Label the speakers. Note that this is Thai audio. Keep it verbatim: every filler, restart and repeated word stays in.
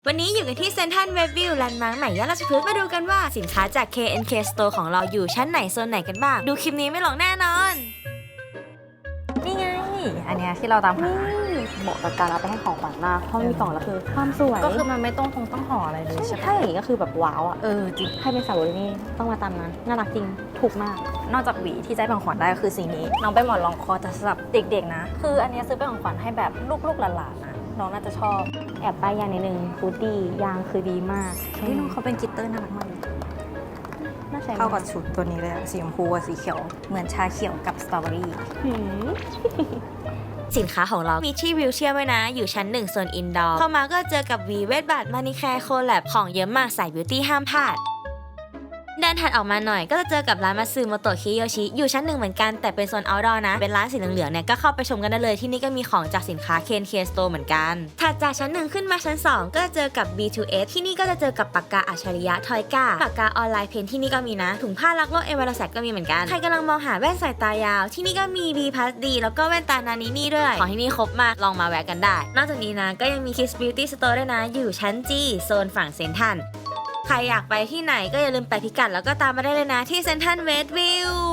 Speaker 1: วันนี้อยู่กันที่เซ็นทรัลเวสต์วิวแลนด์มาร์คใหม่ย่านราชพฤกษ์มาดูกันว่าสินค้าจาก เค เอ็น เค Store ของเราอยู่ชั้นไหนโซนไหนกันบ้างดูคลิปนี้ไม่หลงแน่นอน
Speaker 2: นี่ไงอันเนี้ยที่เราตามหา
Speaker 3: เหมาะกับการเอาไปให้ของขวัญมากเพราะมีกล่องแล้วคือความสวย
Speaker 2: ก็คือมันไม่ต้องคงต้องห่ออะไรเลยใช่ไหม
Speaker 3: ถ้าอย่างนี้ก็คือแบบว้าวอ่ะ
Speaker 2: เออจริง
Speaker 3: ให้เป็นสาวนี่ต้องมาตามนั้นน่ารักจริงถูกมาก
Speaker 2: นอกจากหวีที่จะให้ของขวัญได้ก็คือสีนี้น้องไปหมอนรองคอแต่สำหรับเด็กๆนะคืออันเนี้ยซื้อเป็นของขวัญให้แบบลูกๆหลานๆนะน้องน่าจะชอบ
Speaker 3: แอบป้ายยางนิดนึงฟูดดี้ยางคือดีมาก
Speaker 2: ที่น้องเขาเป็นกลิตเตอร์น่ารักมาก
Speaker 3: น่าใช้
Speaker 2: เข้ากับชุดตัวนี้เลยสีชมพูกับสีเขียวเหมือนชาเขียวกับสตรอเบอรี่
Speaker 1: สินค้าของเรามีที่วิวเชียร์ไว้นะอยู่ชั้นหนึ่งโซนอินดอร์เข้ามาก็เจอกับวีเวทบัตมานิแคร์โคแลบของเยอะมากสายบิวตี้ห้ามพลาดเดินถัดออกมาหน่อยก็จะเจอกับร้านมาซึโมโตะคิโยชิอยู่ชั้นหนึ่งเหมือนกันแต่เป็นโซนเอาท์ดอร์นะเป็นร้านสีเหลืองๆเนี่ยก็เข้าไปชมกันได้เลยที่นี่ก็มีของจากสินค้า เค เอ็น เค Store เหมือนกันถัดจากชั้นหนึ่งขึ้นมาชั้นสองก็จะเจอกับ บี ทู เอส ที่นี่ก็จะเจอกับปากกาอัจฉริยะทอยก้าปากกาออนไลน์เพนที่นี่ก็มีนะถุงผ้ารักโลกเอเวอร์แซก็มีเหมือนกันใครกำลังมองหาแว่นสายตายาวที่นี่ก็มี B Plus D แล้วก็แว่นตานานินี่ด้วยของที่นี่ครบมากลองมาแวะกันได้นอกจากนี้นะก็ยังมี Kids Beauty Store ด้วยนะอยู่ชั้น G โซนฝั่งเซ็นทรัลใครอยากไปที่ไหนก็อย่าลืมไปพิกัดแล้วก็ตามมาได้เลยนะที่เซ็นทรัลเวสต์วิว